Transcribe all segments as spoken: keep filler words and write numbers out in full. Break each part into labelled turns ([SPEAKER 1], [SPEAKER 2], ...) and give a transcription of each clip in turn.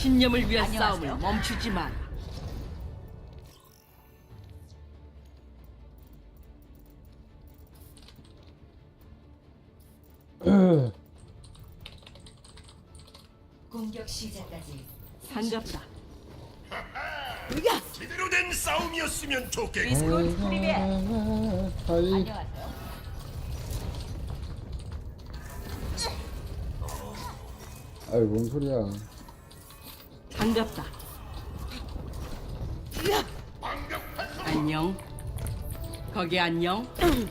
[SPEAKER 1] 신념을 위한
[SPEAKER 2] 안녕하세요.
[SPEAKER 1] 싸움을 멈추지 마라.
[SPEAKER 2] 공격 시작까지
[SPEAKER 1] 반갑다.
[SPEAKER 3] 제대로 된 싸움이었으면 좋겠고.
[SPEAKER 2] 비스콘 프리베
[SPEAKER 4] 하이.
[SPEAKER 2] 안녕하세요.
[SPEAKER 4] 아이 뭔 소리야.
[SPEAKER 1] 반갑다. 안녕. 거기 안녕.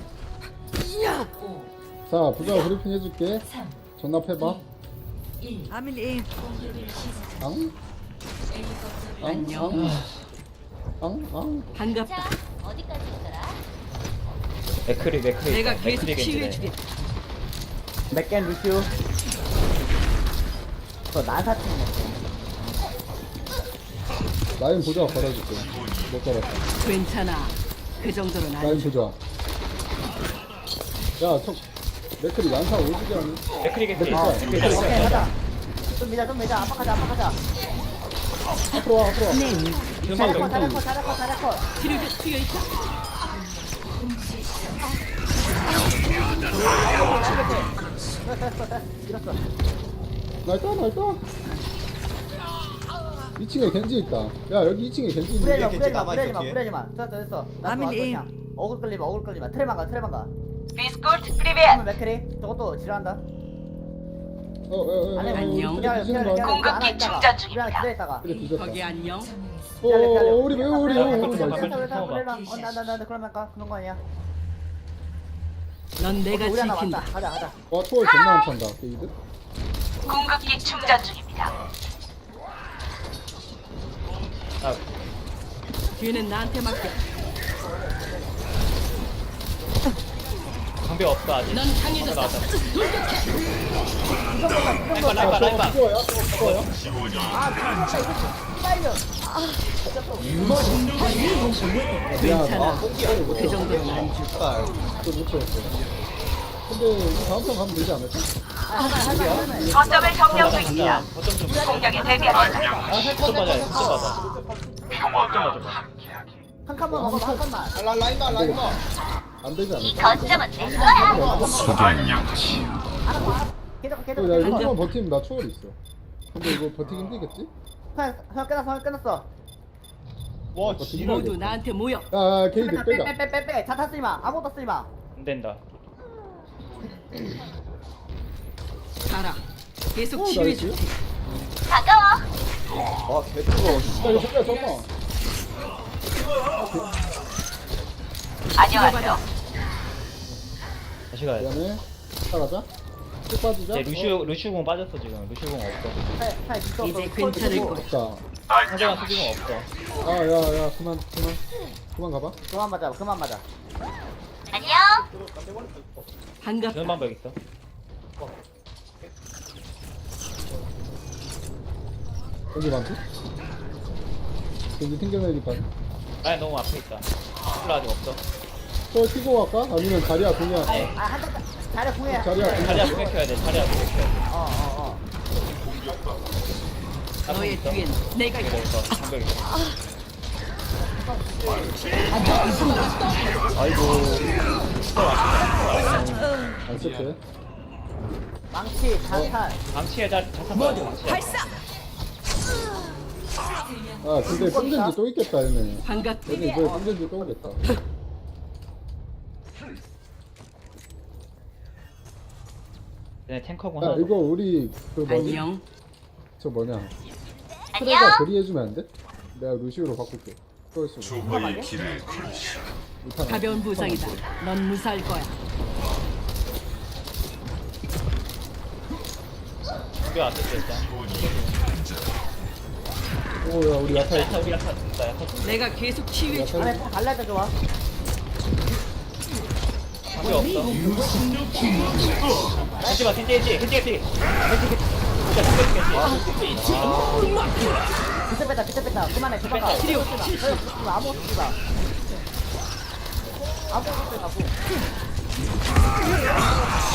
[SPEAKER 2] 오,
[SPEAKER 4] 자 부자 브리핑 해줄게.
[SPEAKER 2] 삼,
[SPEAKER 4] 전납해봐.
[SPEAKER 2] 일.
[SPEAKER 1] 아밀리.
[SPEAKER 2] 공격을 시작.
[SPEAKER 4] 앙?
[SPEAKER 2] A 거점을
[SPEAKER 4] 앙?
[SPEAKER 1] 안녕.
[SPEAKER 4] 앙? 앙?
[SPEAKER 1] 반갑다.
[SPEAKER 2] 어디까지 있더라?
[SPEAKER 5] 맥크리 맥크리
[SPEAKER 1] 내가
[SPEAKER 5] 있다.
[SPEAKER 1] 계속
[SPEAKER 5] 맥크리 겐지네.
[SPEAKER 1] 치유해주겠다.
[SPEAKER 6] 맥겐 루시우 저 난사팀
[SPEAKER 4] 라인 보자 걸어줄게. 못 걸었다.
[SPEAKER 1] 괜찮아. 그 정도는
[SPEAKER 4] 라인
[SPEAKER 1] 아니지.
[SPEAKER 4] 보자. 야, 저 맥클이 난사 오지게 하니?
[SPEAKER 5] 맥크리 겐지.
[SPEAKER 4] 어,
[SPEAKER 5] 맥크리
[SPEAKER 6] 오케이
[SPEAKER 5] 겐지.
[SPEAKER 6] 하자 좀 밀자 좀 밀자 압박하자 압박하자
[SPEAKER 4] 앞으로 와, 앞으로 와.
[SPEAKER 5] 지금
[SPEAKER 6] 잘해커
[SPEAKER 5] 방금
[SPEAKER 6] 잘해커 잘해커 잘해커
[SPEAKER 1] 치료제 트여 있다.
[SPEAKER 6] 밀었어
[SPEAKER 4] 날따, 날따. 이 층에 gen지 있다. 야, 여기 이 층에 겐지
[SPEAKER 6] 뿌려지마
[SPEAKER 4] 있는데.
[SPEAKER 6] 뿌려지마 뿌려지마 뿌려지마 됐어 됐어 나
[SPEAKER 1] 아밀리.
[SPEAKER 6] 그냥 어글 끌리마 어글 끌리마 트레만 가 트레만 가
[SPEAKER 2] 비스콘 프리베
[SPEAKER 6] 한번 맥크리 저것도 지랄한다
[SPEAKER 4] 어, 어, 어, 어,
[SPEAKER 6] 아니
[SPEAKER 1] 안녕.
[SPEAKER 4] 우리 그래 뒤지는 거 아니야?
[SPEAKER 2] 공격기 충전 중입니다.
[SPEAKER 6] 우리 안에 기다렸다가
[SPEAKER 4] 그래, 뒤졌다.
[SPEAKER 1] 거기 안녕.
[SPEAKER 4] 어, 어, 어, 우리 왜, 우리, 우리, 우리,
[SPEAKER 5] 잠깐만,
[SPEAKER 4] 나이스.
[SPEAKER 5] 잠깐만.
[SPEAKER 6] 어나나나 그러면 가 그런 거 아니야
[SPEAKER 1] 넌 내가
[SPEAKER 6] 우리 하나
[SPEAKER 1] 지킨다.
[SPEAKER 6] 왔다 가자 가자
[SPEAKER 4] 와, 초월 존나 안 찬다, 게이드.
[SPEAKER 2] 공격기 충전 중입니다.
[SPEAKER 5] 아,
[SPEAKER 1] 뒤는 나한테 맡겨.
[SPEAKER 5] 방벽 없어 아직.
[SPEAKER 1] 넌 강해졌다.
[SPEAKER 5] 나왔다. 라이바
[SPEAKER 4] 아,
[SPEAKER 5] 라이바
[SPEAKER 4] 저거
[SPEAKER 5] 라이바.
[SPEAKER 4] 죽어요? 저거 죽어요?
[SPEAKER 1] 괜찮아.
[SPEAKER 4] 아,
[SPEAKER 1] 그 정도는 아니지.
[SPEAKER 4] 또못 채웠어. 근데 이거 다음 편 가면 되지 않을까?
[SPEAKER 2] 거점을 점령 중입니다.
[SPEAKER 5] 거점 좀.
[SPEAKER 2] 공격에 대비하십시오.
[SPEAKER 5] 아, 거점 맞아. 거점 맞아. 거점 맞아.
[SPEAKER 6] 한 칸만 먹어봐 한 칸만
[SPEAKER 4] 안 되지
[SPEAKER 2] 이
[SPEAKER 4] 않을까?
[SPEAKER 2] 거점은 내 거야.
[SPEAKER 6] 계속 계속
[SPEAKER 4] 야,
[SPEAKER 6] 계속
[SPEAKER 4] 이거만 버티면 나 초월 있어. 근데 이거 버티기 힘들겠지?
[SPEAKER 6] 형, 형 끝났어 형 끝났어
[SPEAKER 5] 와,
[SPEAKER 4] 버티기
[SPEAKER 1] 모두
[SPEAKER 4] 힘들겠지?
[SPEAKER 1] 나한테 모여.
[SPEAKER 4] 야, 야, 게이드 빼자.
[SPEAKER 6] 빼빼빼빼빼 자타 쓰지마 아무것도 쓰지마
[SPEAKER 5] 안 된다.
[SPEAKER 1] 가라. 계속
[SPEAKER 4] 어,
[SPEAKER 1] 치유해줄게.
[SPEAKER 4] 나이스.
[SPEAKER 2] 다가와.
[SPEAKER 4] 야, 이거 잠깐, 잠깐.
[SPEAKER 2] 안녕하세요.
[SPEAKER 5] 다시 가야 돼.
[SPEAKER 4] 미안해. 따라가자. 쭉 빠지자.
[SPEAKER 5] 이제 루시우 루시우 공 빠졌어 지금. 루시우 공 없어.
[SPEAKER 1] 이제 괜찮을 거야.
[SPEAKER 4] 없다.
[SPEAKER 5] 상대방 수비공 없어.
[SPEAKER 4] 아, 야, 야, 그만, 그만. 그만 가봐.
[SPEAKER 6] 그만 맞아 그만 맞아
[SPEAKER 2] 안녕.
[SPEAKER 1] 반갑다.
[SPEAKER 5] 주는 방법 있어.
[SPEAKER 4] 여기 많지? 여기 튕겨내기 반.
[SPEAKER 5] 라인 너무 앞에 있다. 힐러 아직 없어.
[SPEAKER 4] 저 튀고 갈까? 아니면 자리야, 그냥.
[SPEAKER 5] 네.
[SPEAKER 6] 아한 칸 잘해 궁해
[SPEAKER 4] 자리야, 그냥.
[SPEAKER 5] 자리야 공격해야 돼. 자리야 공격해야 돼.
[SPEAKER 6] 어어어
[SPEAKER 1] 너의
[SPEAKER 5] 있어.
[SPEAKER 1] 뒤엔 내가
[SPEAKER 5] 이거
[SPEAKER 1] 있다.
[SPEAKER 5] 있어. 방벽 있어.
[SPEAKER 4] 안 쓸게.
[SPEAKER 6] 망치 잔탄
[SPEAKER 5] 방치에 자 자탄 빠져. 방치에.
[SPEAKER 4] 아, 근데 뽕겐지 또 있겠다, 얘네.
[SPEAKER 1] 반갑다.
[SPEAKER 4] 얘네 이번에 뽕겐지 또 오겠다.
[SPEAKER 5] 얘네 탱커공
[SPEAKER 4] 야,
[SPEAKER 5] 하나.
[SPEAKER 4] 이거 우리, 그 뭐지?
[SPEAKER 1] 안녕.
[SPEAKER 4] 저 뭐냐. 트레가 그리해주면 안 돼? 내가 루시우로 바꿀게. 또 있어.
[SPEAKER 3] 조화의 길을
[SPEAKER 4] 못하나?
[SPEAKER 1] 가벼운 부상이다. 넌 무사할 거야.
[SPEAKER 5] 방벽 안 됐어 일단.
[SPEAKER 4] 오, 야, 우리 야타
[SPEAKER 5] 야타 우리 야타 있다. 야타.
[SPEAKER 1] 내가 계속 치유해줄게.
[SPEAKER 6] 안에 꼭 달라야 돼 좋아
[SPEAKER 5] 방벽 없어. 겐지 봐. 겐지 겐지 겐지 겐지. 겐지 겐지.
[SPEAKER 6] 그때 뺐다 그때 뺐다 그만해 그만 가
[SPEAKER 5] 치료.
[SPEAKER 6] 아무것도 쓰지마 아무것도 쓰지 마고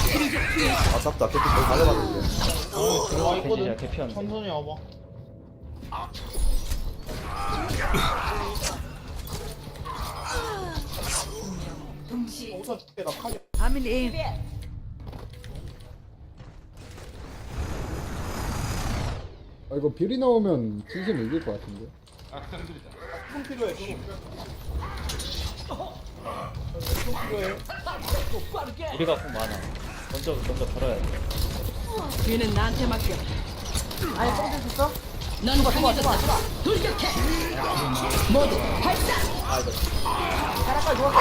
[SPEAKER 7] 아깝다. 그때 거의 가져갔는데.
[SPEAKER 5] 겐지야 개피였는데.
[SPEAKER 7] 천천히 와봐. 우선 줄게 나 칼이.
[SPEAKER 4] 아 이거 비리 나오면 진심 이길 것 같은데.
[SPEAKER 7] 좀 필요해. 좀. 좀 필요해.
[SPEAKER 5] 우리가 꼭 많아. 먼저 먼저 걸어야 돼.
[SPEAKER 1] 뒤는 나한테 맡겨.
[SPEAKER 6] 아니 뽕줄 수 있어?
[SPEAKER 1] 넌 강해졌다. 돌격해. 모두 발사.
[SPEAKER 6] 자락발 누웠어.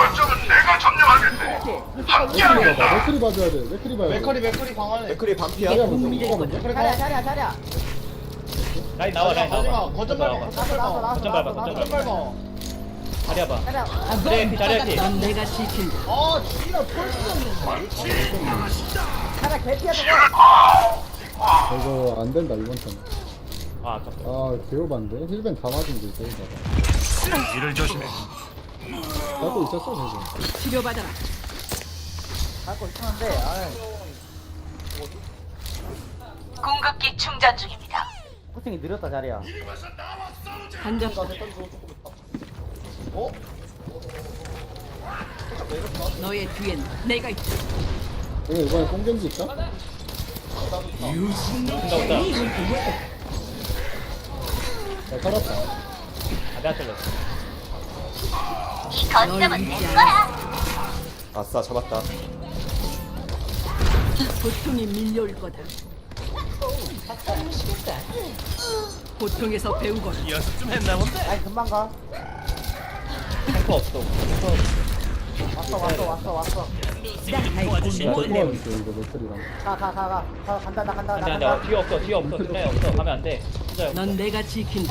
[SPEAKER 4] 맥크리 봐봐. 맥크리 봐줘야 돼. 맥크리 봐야 돼.
[SPEAKER 7] 맥커리 맥커리 강하네.
[SPEAKER 2] 맥크리 반피야.
[SPEAKER 4] 자리야 먼저.
[SPEAKER 1] 이게
[SPEAKER 4] 이거 먼저.
[SPEAKER 7] 맥커리
[SPEAKER 6] 자리야
[SPEAKER 7] 강하.
[SPEAKER 6] 자리야 자리야.
[SPEAKER 5] 라인 나와 라인
[SPEAKER 7] 마지막
[SPEAKER 5] 나와.
[SPEAKER 7] 거점
[SPEAKER 5] 나와.
[SPEAKER 7] 밟아.
[SPEAKER 6] 나왔어 나왔어 나왔어
[SPEAKER 5] 거점 밟아,
[SPEAKER 6] 나왔어
[SPEAKER 5] 거점
[SPEAKER 7] 거점
[SPEAKER 6] 나왔어.
[SPEAKER 7] 밟아.
[SPEAKER 5] 자리야 봐.
[SPEAKER 6] 자리야.
[SPEAKER 5] 자리야 자리야 피.
[SPEAKER 1] 넌 내가 지킨다.
[SPEAKER 7] 아 지랄 펄스.
[SPEAKER 6] 자리야 개피야 저거.
[SPEAKER 4] 이거 안 된다 이번 턴.
[SPEAKER 5] 아 아깝다.
[SPEAKER 4] 아 개오반데. 힐벤 다 맞은 게 개오바다.
[SPEAKER 3] 이를 조심해.
[SPEAKER 4] 나도 있었어 저거.
[SPEAKER 1] 치료받아라.
[SPEAKER 6] 갖고 있었는데 아
[SPEAKER 2] 공급기 충전 중입니다.
[SPEAKER 6] 코팅이 느렸다 자리야.
[SPEAKER 1] 반갑다.
[SPEAKER 7] 어?
[SPEAKER 1] 너의 뒤엔 내가 있다.
[SPEAKER 4] 이거 이번에 뽕겐지 있다?
[SPEAKER 5] 온다 온다.
[SPEAKER 4] 나 살았다.
[SPEAKER 5] 아 내가 잘렸어.
[SPEAKER 2] 이
[SPEAKER 1] 널
[SPEAKER 2] 거점은 내
[SPEAKER 1] 위지하는
[SPEAKER 2] 거야. 아싸 잡았다.
[SPEAKER 1] 고통이 밀려올 거다. 고통에서 배우거라.
[SPEAKER 3] 연습 좀 했나 본데.
[SPEAKER 6] 아니 금방 가.
[SPEAKER 5] 탱커 없어. 탱커
[SPEAKER 6] 왔어 왔어 왔어 왔어.
[SPEAKER 3] 도와주신
[SPEAKER 4] 나 도와줄게 이거 맥크리랑.
[SPEAKER 6] 가 가 가 가. 가 간다 나 간다
[SPEAKER 5] 안돼
[SPEAKER 6] 나
[SPEAKER 5] 안돼.
[SPEAKER 6] 간다.
[SPEAKER 5] 뒤에 없어 뒤에 없어. 뒷라인 없어. 가면 안 돼. 혼자야.
[SPEAKER 1] 넌 내가 지킨다.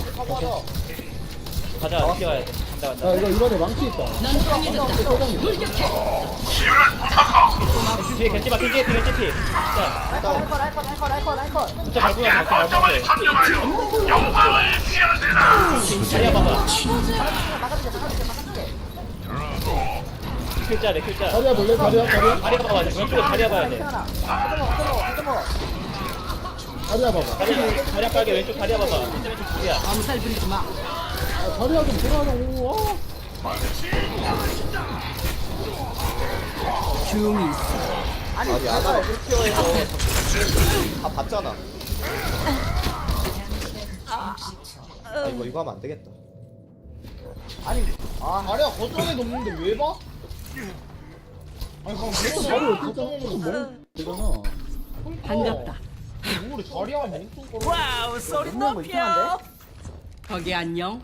[SPEAKER 5] 가자. 뛰어야 돼. 간다 간다.
[SPEAKER 4] 야 이거 이번에 망치 있다.
[SPEAKER 1] 넌 강해졌다. 돌격해.
[SPEAKER 5] 뒤에 겐지 봐 겐지 겐지 피. 자.
[SPEAKER 6] 라이커 라이커 라이커 라이커 라이커.
[SPEAKER 5] 진짜 밟고 나서 밟고 돼. 자리야 봐봐.
[SPEAKER 6] 막아줄게 막아줄게 막아줄게.
[SPEAKER 5] 킬자래 킬자.
[SPEAKER 4] 자리야 볼래? 자리야 자리야.
[SPEAKER 5] 자리야 봐봐. 왼쪽으로 자리야 봐야 돼.
[SPEAKER 6] 태어나. 끄덕어 끄덕어 끄덕어.
[SPEAKER 4] 자리야 봐봐.
[SPEAKER 5] 자리야 자리야 빨개 왼쪽 자리야 봐봐. 왼쪽 왼쪽 둘이야.
[SPEAKER 1] 암살 부리지 마.
[SPEAKER 4] 아, 자리야 좀 들어가라고.
[SPEAKER 1] 조용히 있어.
[SPEAKER 6] 아니
[SPEAKER 2] 아니 아나가 풀피어에서 다 봤잖아. 아 이거 이거 하면 안 되겠다.
[SPEAKER 6] 아니 아
[SPEAKER 7] 아니야 거점에 놓는데 왜 봐? 아니 그럼
[SPEAKER 4] 아,
[SPEAKER 7] 계속
[SPEAKER 4] 자리를
[SPEAKER 7] 거점
[SPEAKER 4] 진짜
[SPEAKER 7] 먹는
[SPEAKER 4] 조금
[SPEAKER 7] 거
[SPEAKER 4] 먹으면 되잖아.
[SPEAKER 1] 반갑다.
[SPEAKER 7] 우리 자리야 멍뚱 거려.
[SPEAKER 1] 와우 소리
[SPEAKER 6] 먹는 거 이상한데?
[SPEAKER 1] 거기 안녕.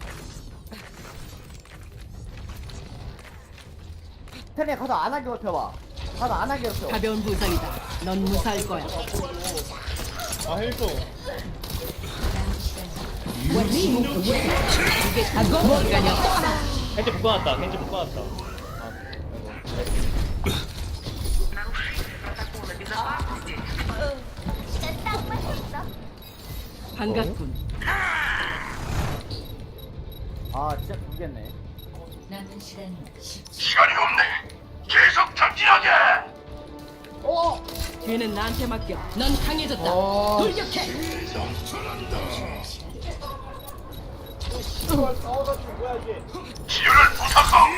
[SPEAKER 6] 태네 가서 안 하게 괴롭혀봐. 가서 안 하게 괴롭혀.
[SPEAKER 1] 가벼운 부상이다. 넌 무사할 거야.
[SPEAKER 7] 아 헬조.
[SPEAKER 1] 이게 다 시간이 없다.
[SPEAKER 5] 겐지 묶어놨다. 겐지 묶어놨다.
[SPEAKER 1] 반갑군.
[SPEAKER 6] 아 진짜 모르겠네.
[SPEAKER 8] 남은 시간 십 초.
[SPEAKER 3] 시간이 없네. 계속 전진하게.
[SPEAKER 7] 어?
[SPEAKER 1] 뒤는 나한테 맡겨. 넌 강해졌다.
[SPEAKER 4] 아.
[SPEAKER 1] 돌격해.
[SPEAKER 7] 이걸 싸워가지고 뭐야 이게?
[SPEAKER 3] 치료를 부탁하.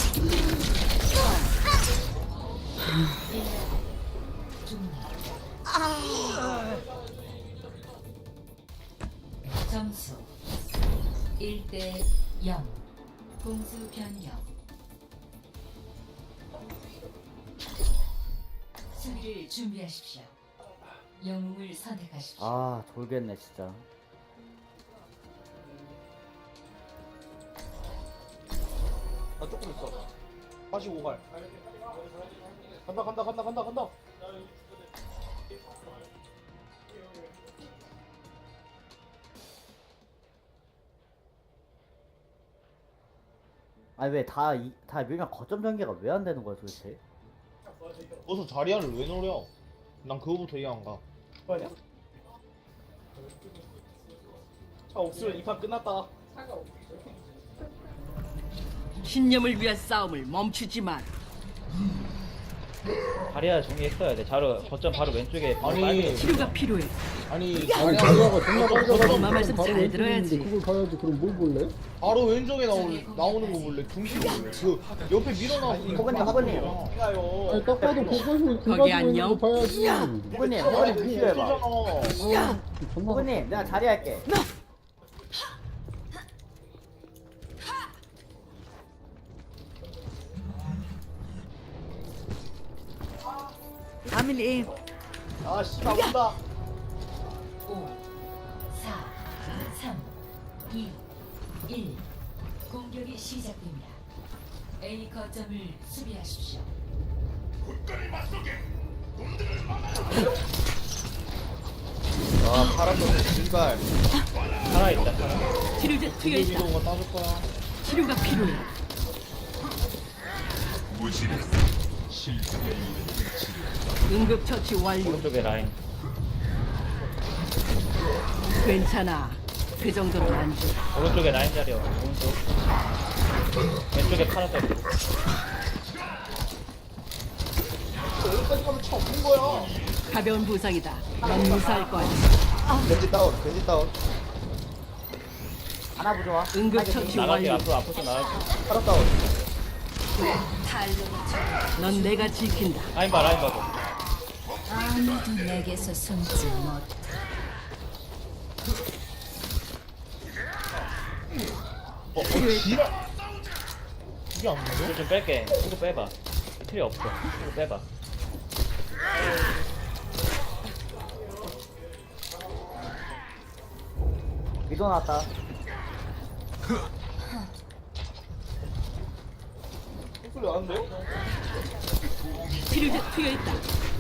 [SPEAKER 8] 점수 일 대 영. 공수 변경. 수비를 준비하십시오. 영웅을 선택하십시오.
[SPEAKER 6] 아 돌겠네 진짜.
[SPEAKER 7] 나 조금 있어. 사십오 발. 간다 간다 간다 간다 간다.
[SPEAKER 6] 아니 왜 다 다 밀면 거점 전개가 왜 안 되는 거야 도대체?
[SPEAKER 7] 어서 자리야를 왜 노려? 난 그거부터 이해 안 가. 뭐냐? 자 옥수를 이판 끝났다.
[SPEAKER 1] 신념을 위한 싸움을 멈추지 마.
[SPEAKER 5] 다리야 정리했어야 돼. 자로 거점 바로 왼쪽에
[SPEAKER 7] 아니,
[SPEAKER 5] 빨개.
[SPEAKER 1] 치료가 필요해.
[SPEAKER 7] 아니
[SPEAKER 4] 아니
[SPEAKER 7] 자리야
[SPEAKER 4] 자리아가 존나 빨개가지고
[SPEAKER 1] 엄마 말씀
[SPEAKER 4] 바로
[SPEAKER 1] 잘
[SPEAKER 4] 왼쪽에
[SPEAKER 1] 들어야지.
[SPEAKER 4] 있는데 그걸 봐야지. 그럼 뭘 볼래?
[SPEAKER 7] 바로 왼쪽에 나올, 나오는 거 볼래? 중심 볼래? 그 옆에 밀어놔서
[SPEAKER 6] 호그님, 호그님.
[SPEAKER 7] 가요.
[SPEAKER 4] 아니 딱 봐도 보고 그
[SPEAKER 1] 거기
[SPEAKER 4] 가지고 있는
[SPEAKER 1] 안녕?
[SPEAKER 4] 거 봐야지.
[SPEAKER 6] 호그님, 호그님 루시오 해봐.
[SPEAKER 7] 잖아
[SPEAKER 4] 존나
[SPEAKER 6] 호그님, 내가 자리 할게.
[SPEAKER 1] 아밀리.
[SPEAKER 7] 아 씨발 온다.
[SPEAKER 8] 오, 사, 삼, 이, 일. 공격이 시작됩니다. A 거점을 수비하십시오.
[SPEAKER 2] 아 파란색 신발.
[SPEAKER 5] 살아있다. 살아.
[SPEAKER 1] 치료제 투여 있다.
[SPEAKER 7] 이동거 따줄 거야.
[SPEAKER 1] 치료가 필요해. 응급처치 완료.
[SPEAKER 5] 오른쪽에 라인.
[SPEAKER 1] 괜찮아. 그 정도는 안 돼.
[SPEAKER 5] 오른쪽에 라인 자리야. 오른쪽. 왼쪽에 파란색.
[SPEAKER 7] 여기까지 가면 차 없는 거야.
[SPEAKER 1] 가벼운 부상이다. 넌 무사할 거야.
[SPEAKER 2] 겐지 다운. 겐지 다운.
[SPEAKER 6] 하나 부좋아.
[SPEAKER 1] 응급처치
[SPEAKER 5] 나갈게.
[SPEAKER 1] 완료.
[SPEAKER 5] 앞으로 앞으로 나갈게.
[SPEAKER 2] 파라 다운.
[SPEAKER 1] 넌 내가 지킨다.
[SPEAKER 5] 라인 봐 라인 봐도.
[SPEAKER 8] 아무도 내게서 숨지 못.
[SPEAKER 7] 어, 어 지랄. 이게 안 맞아?
[SPEAKER 5] 이거 좀 뺄게. 이거 빼봐. 필요 없어. 이거 빼봐.
[SPEAKER 6] 위도 나왔다.
[SPEAKER 7] 소리 나는데?
[SPEAKER 1] 치료제 투여 있다.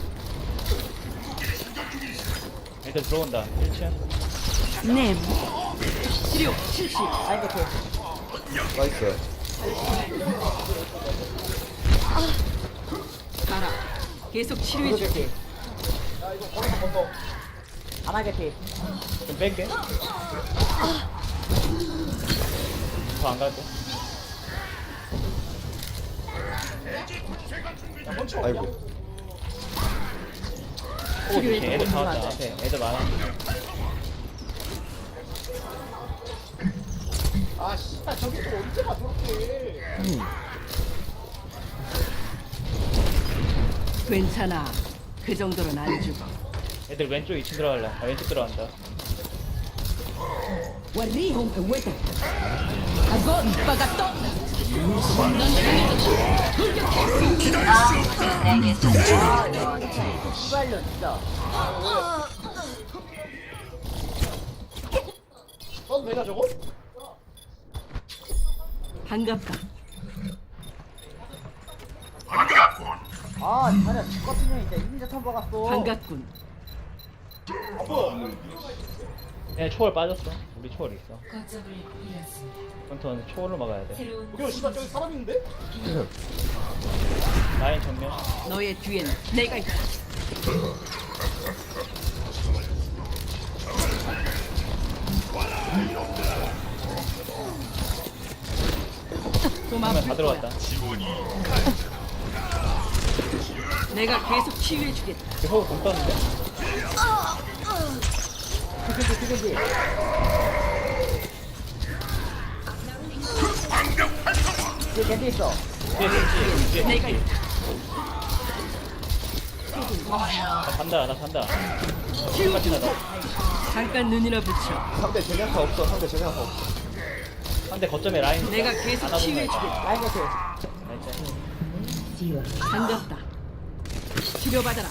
[SPEAKER 5] 애들 들어온다. 일 층.
[SPEAKER 1] 네. 치료 실시.
[SPEAKER 6] 아이 개피.
[SPEAKER 2] 나이스.
[SPEAKER 1] 가라. 계속
[SPEAKER 6] 위도
[SPEAKER 1] 치료해줄게.
[SPEAKER 6] 개피.
[SPEAKER 7] 야 이거 걸어서 건너.
[SPEAKER 6] 하나 개피.
[SPEAKER 5] 좀 뺄게. 더 안 갈게.
[SPEAKER 2] 아이고.
[SPEAKER 5] 오, 조심. 애들 다 왔다. 앞에 애들 많아.
[SPEAKER 7] 아 씨발 저기 또 언제 가 저렇게.
[SPEAKER 1] 괜찮아. 그 정도는 안 죽어.
[SPEAKER 5] 애들 왼쪽 이 층 들어갈래. 아, 왼쪽 들어간다.
[SPEAKER 1] وريهم قوتك. أظن بغطت.
[SPEAKER 6] 씨발려 진짜.
[SPEAKER 7] 써도 되냐 저거?
[SPEAKER 1] 반갑다.
[SPEAKER 6] 아, 자리야 죽같은 년이 진짜 이민자 처음 박았어.
[SPEAKER 1] 반갑군.
[SPEAKER 5] 얘 초월 빠졌어. 우리 초월 있어.
[SPEAKER 8] 거점을 잃었습니다.
[SPEAKER 5] 컨트는 초월로 막아야 돼.
[SPEAKER 8] 새로운
[SPEAKER 7] 야 씨발 저기 사람 있는데?
[SPEAKER 5] 라인 정면.
[SPEAKER 1] 너의 뒤엔 내가 있다. 좀
[SPEAKER 5] 정면
[SPEAKER 1] 아플
[SPEAKER 5] 다
[SPEAKER 1] 거야.
[SPEAKER 5] 들어갔다.
[SPEAKER 1] 내가 계속 치유해주겠다.
[SPEAKER 5] 이거 공 떴는데?
[SPEAKER 6] 그게지 그게지. 뒤에 겐지 있어.
[SPEAKER 5] 뒤에 뒤에 뒤에
[SPEAKER 1] 내가
[SPEAKER 5] 뒤에.
[SPEAKER 1] 있다.
[SPEAKER 5] 나 간다. 나 간다.
[SPEAKER 1] 치유
[SPEAKER 5] 같이
[SPEAKER 1] 중.
[SPEAKER 5] 나다.
[SPEAKER 1] 잠깐 눈이나 붙여.
[SPEAKER 2] 상대 제냐타 없어. 상대 제냐타 없어.
[SPEAKER 5] 한대 거점에 라인.
[SPEAKER 1] 내가 계속
[SPEAKER 5] 안아보면
[SPEAKER 1] 치유해주겠다.
[SPEAKER 6] 라인 개피.
[SPEAKER 5] 라인 짤.
[SPEAKER 1] 반갑다. 치료받아라.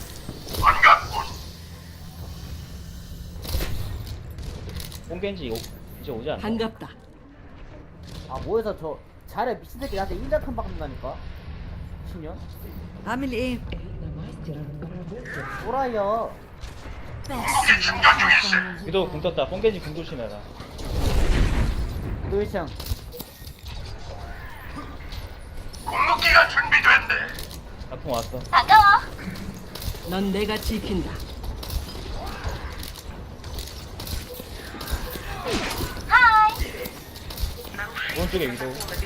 [SPEAKER 5] 뽕겐지 오- 이제 오지 않나?
[SPEAKER 1] 반갑다.
[SPEAKER 6] 아 뭐해서 저 자리야 미친 새끼 나한테 인자 턴 박는다니까. 미친년.
[SPEAKER 1] 아밀리.
[SPEAKER 6] 또라이야.
[SPEAKER 5] 위도 공 떴다. 뽕겐지 공 조심해라.
[SPEAKER 6] 위도 일 층.
[SPEAKER 3] 궁극기가 준비됐네.
[SPEAKER 5] 나풍 왔어.
[SPEAKER 1] 넌 내가 지킨다.
[SPEAKER 5] 오른쪽에 위도.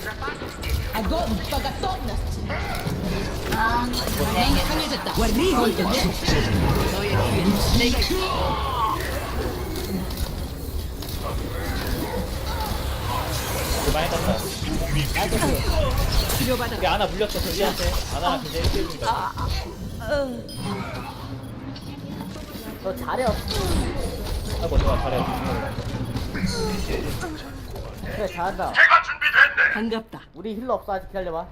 [SPEAKER 5] 그 많이 땄다.
[SPEAKER 1] 치료받아.
[SPEAKER 5] 우리 아나 물렸어 저기한테. 아나랑 굉장히 일 대 일이다.
[SPEAKER 6] 너 잘해 없어.
[SPEAKER 5] 아이고 좋아 잘해.
[SPEAKER 6] 그래 잘한다.
[SPEAKER 3] 제가 준비됐네.
[SPEAKER 1] 반갑다.
[SPEAKER 6] 우리 힐러 없어 아직 기다려봐.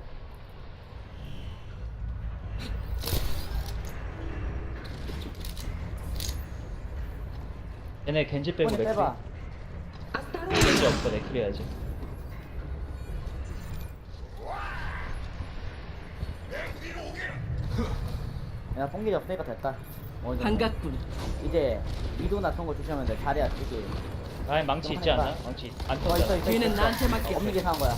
[SPEAKER 5] 얘네 겐지 빼고
[SPEAKER 6] 이번에
[SPEAKER 5] 맥크리.
[SPEAKER 6] 빼봐.
[SPEAKER 5] 겐지 없어 맥크리 해야지.
[SPEAKER 6] 야 뽕길이 없으니까 됐다. 어느 정도.
[SPEAKER 1] 반갑군.
[SPEAKER 6] 이제 미도나 그런 거 조심하면 돼. 잘해야 되지.
[SPEAKER 5] 라인 망치 있지 않나? 망치 안
[SPEAKER 6] 어 있어
[SPEAKER 5] 떴다.
[SPEAKER 6] 있어.
[SPEAKER 1] 뒤는
[SPEAKER 6] 있어.
[SPEAKER 1] 나한테 맡겨.
[SPEAKER 6] 없는 게 사는 거야.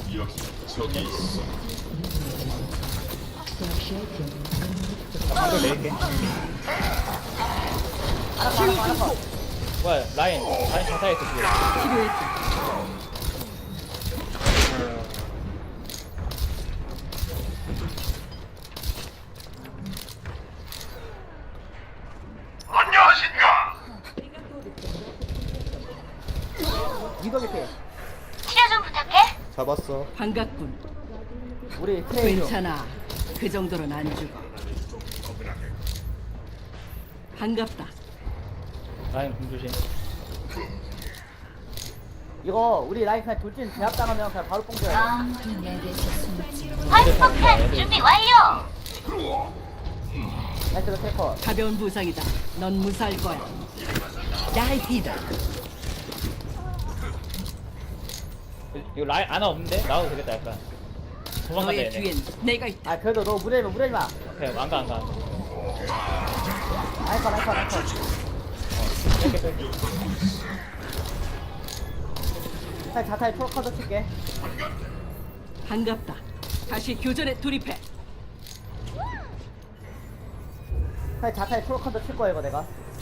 [SPEAKER 5] 나 방금 내릴게.
[SPEAKER 6] 알아봐 알아봐 알아봐.
[SPEAKER 5] 뭐야 라인 라인 자타했어 지금.
[SPEAKER 1] 필요했다.
[SPEAKER 3] 안녕하십니까.
[SPEAKER 6] 미도 곁에
[SPEAKER 2] 잡았어.
[SPEAKER 1] 반갑군.
[SPEAKER 6] 우리 트레이너.
[SPEAKER 1] 괜찮아. 그 정도는 안 죽어. 반갑다.
[SPEAKER 5] 라인 공조심.
[SPEAKER 6] 이거 우리 라인 그냥 돌진 제압당하면 그냥 바로 뽕 줘야 돼.
[SPEAKER 8] 아무도 내게서 숨지 못.
[SPEAKER 5] 폭탄 준비 완료.
[SPEAKER 6] 나이스 그 테이커.
[SPEAKER 1] 가벼운 부상이다. 넌 무사할 거야. 나이티다.
[SPEAKER 5] 이거 라인 아나 없는데 나와도 되겠다 약간. 도망간다
[SPEAKER 1] 너의
[SPEAKER 5] 얘네.
[SPEAKER 1] 뒤엔 내가 있다.
[SPEAKER 6] 아 그래도 너 무리하지 마 무리하지 마.
[SPEAKER 5] 오케이 안가 안가.
[SPEAKER 6] 라이커 라이커 라이커.
[SPEAKER 5] 이렇게 빼.
[SPEAKER 6] 자 자타에 초록카드 칠게.
[SPEAKER 1] 반갑다. 다시 교전에 돌입해.
[SPEAKER 6] 자 자타에 초록카드 칠 거야 이거 내가.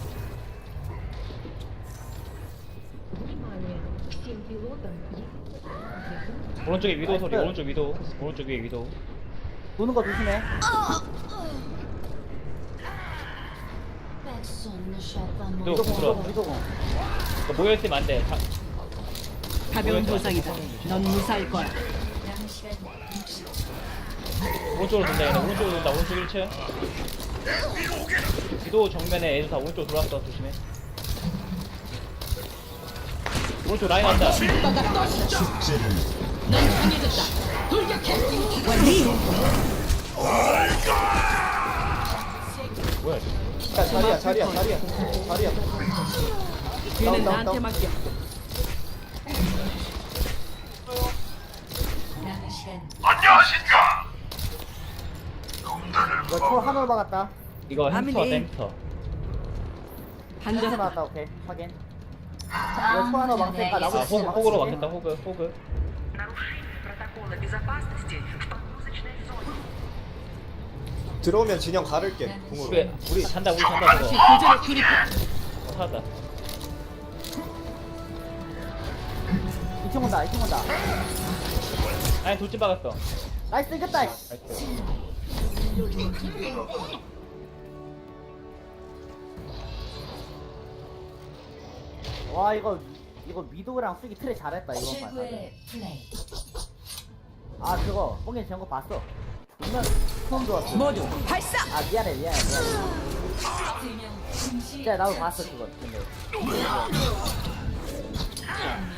[SPEAKER 5] 오른쪽에 위도 소리.
[SPEAKER 6] 나이스.
[SPEAKER 5] 오른쪽 위도. 오른쪽 위에 위도.
[SPEAKER 6] 도는 거 조심해.
[SPEAKER 5] 위도
[SPEAKER 6] 미도공
[SPEAKER 5] 부끄러.
[SPEAKER 6] 미도공 미도공.
[SPEAKER 5] 모여 있으면 안 돼. 다-
[SPEAKER 1] 가벼운 부상이다. 넌 무사할 거야.
[SPEAKER 5] 오른쪽으로 돈다 얘네. 오른쪽으로 돈다. 오른쪽 일 층. 위도 정면에 애들 다 오른쪽 들어왔어. 조심해. 오른쪽 라인 왔다. 뭐야? 이거.
[SPEAKER 2] 야 자리야 자리야 자리야 자리야.
[SPEAKER 1] 뒤는
[SPEAKER 2] 다운, 다운,
[SPEAKER 1] 나한테
[SPEAKER 2] 다운.
[SPEAKER 1] 맡겨.
[SPEAKER 8] 남은 시간
[SPEAKER 3] 안녕하십니까.
[SPEAKER 6] 이거 초 하늘 막았다.
[SPEAKER 5] 이거 햄스터
[SPEAKER 1] 아미네.
[SPEAKER 5] 햄스터.
[SPEAKER 6] 한개
[SPEAKER 1] 반갑다.
[SPEAKER 6] 막았다 오케이 확인. 이거 초 하늘 막으니까
[SPEAKER 5] 아
[SPEAKER 6] 나보고
[SPEAKER 5] 호그, 호그로 막혔다 호그 호그.
[SPEAKER 2] 들어오면 진영 가를게.
[SPEAKER 5] 우리
[SPEAKER 2] 궁으로.
[SPEAKER 5] 우리 잔다 우리 잔다
[SPEAKER 1] 다시
[SPEAKER 5] 저거.
[SPEAKER 1] 교전에 돌입해.
[SPEAKER 5] 어, 살았다.
[SPEAKER 6] 이 층 온다 이 층 온다.
[SPEAKER 5] 아니 돌진 박았어.
[SPEAKER 6] 나이스 이겼다.
[SPEAKER 5] 나이스.
[SPEAKER 6] 와 이거 이거 미도랑 쓰기 트레 잘했다 이번 판.
[SPEAKER 8] 최고의 플레이.
[SPEAKER 6] 아 그거 뽕이 전거 봤어. 정말 처음 좋았어.
[SPEAKER 1] 모두 발사.
[SPEAKER 6] 아 미안해 미안해 미안해.
[SPEAKER 8] 두명 동시
[SPEAKER 6] 진짜 나도 봤어 그거 근데.
[SPEAKER 8] 한